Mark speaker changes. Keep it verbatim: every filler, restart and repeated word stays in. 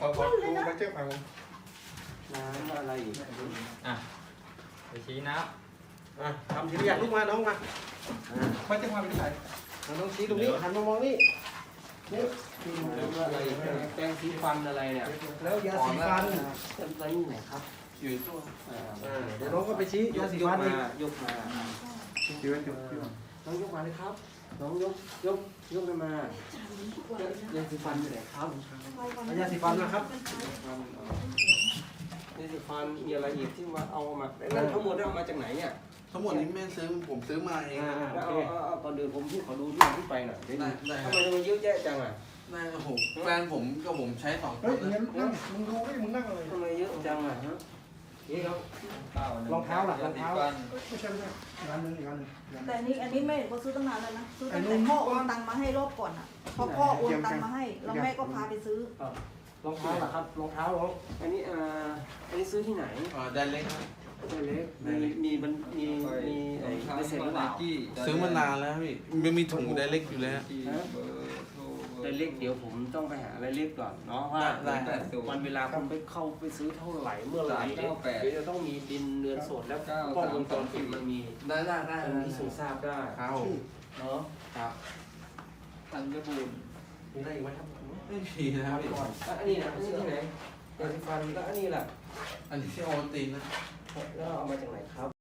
Speaker 1: ขอขอดูไปเจ้าเอา
Speaker 2: น้ำอะไรอีก
Speaker 3: อ่ะไปชี้นับ
Speaker 2: อ่ะทำทีละอย่างลูกมาน้องมาอ่า
Speaker 1: ไปเจ้ามาเป็นใคร
Speaker 2: น้องชี้ตรงนี้หันมามองนี่นี่น้ำอะไรแปรงสีฟันอะไรเนี่ย
Speaker 1: แล้วยาสีฟัน
Speaker 2: เป็นอะไรนี่ไหนครับ
Speaker 1: อยู่ตัว
Speaker 2: อ่าเดี๋ยวน้องก็ไปชี้ยาสีฟันนี่ยกมา
Speaker 1: อยู่อยู่อยู่
Speaker 2: น้องยกมาเลยครับ น้องยกยกยกขึ้นมายาสีฟันอยู่ไหนครับยาสีฟันนะครับยาสีฟันมีอะไรอีกที่ว่าเอามานั่นทั้งหมดเอามาจากไหนเนี่ย
Speaker 4: ทั้งหมดนี้แม่ซื้อผมซื้อมาเอง
Speaker 2: อ่า
Speaker 4: นะ
Speaker 2: แล้วเอาเอาเอาก่อนเดินผมที่ขอดูที่มาที่ไปหน่อยได้ไหม
Speaker 4: ได้ค
Speaker 2: ทำ
Speaker 4: รับ
Speaker 2: ไมมันเยอะแยะจังอ่ะ
Speaker 4: ได้ครับผมแฟนผมกับผมใช้สองค
Speaker 1: เฮ้ย
Speaker 4: น
Speaker 1: งั้
Speaker 4: นะ
Speaker 1: นนั่งมึงดูดิมึงนั่งอะไร
Speaker 2: ทำไมเยอะจังอ่ะฮะนี่ครับ
Speaker 3: เก้าหนึ่
Speaker 2: รองเท้าล่ะรองเท้า
Speaker 3: ฟัน
Speaker 1: ไม่ใช่ไม่ใช่อีกอันหนึงอีกอันหนึง
Speaker 5: แต่อันนี้อันนี้แม่ก็ซื้อตั้งนานแล้วนะซื้อตั้งแต่พ่อโอนตังค์มาให้รอบก่อนอ่ะพอพ่อโอนตังค์มาให้แล้วแม่ก็พาไปซื้อ
Speaker 2: รองเท้าล่ะครับรองเท้าน้องอันนี้อ่าอันนี้ซื้อที่ไหน
Speaker 4: อ่าแดนเล็กครับ
Speaker 2: ตัวเล็กมีมีมันมีมีไอ้เปอร์เซ็นต์หรือเปล่า
Speaker 4: ซื้อมานานแล้วพี่มันมีถุงแดนเล็กอยู่แล้ว
Speaker 3: เบอร์โทร
Speaker 2: รายเล็กเดี๋ยวผมต้องไปหารายเล็กก่อนเนาะว่า
Speaker 4: ได้ได้
Speaker 2: วันเวลาคุณไปเข้าไปซื้อเท่าไหร่เมื่อไหร่เดี๋ยวเดี๋ยวจะต้องมีบินเรือนสดแล้วกล้องวงจรปิดมันมี
Speaker 4: ได้ได้ได้
Speaker 2: มันพิสูจน์ทราบได้
Speaker 4: ครับ
Speaker 2: เนาะ
Speaker 4: ครับ
Speaker 3: ธัญบูรณ์
Speaker 2: มีอะไรอีกไหมครับ
Speaker 4: ไม่มีนะครับพี่
Speaker 2: ก่อนแล้วอันนี้นะอันนี้ที่ไหนยาสีฟันแล้วอันนี้ล่ะ
Speaker 4: อันนี้ที่โอวัลตินนะ
Speaker 2: แล้วเอามาจากไหนครับ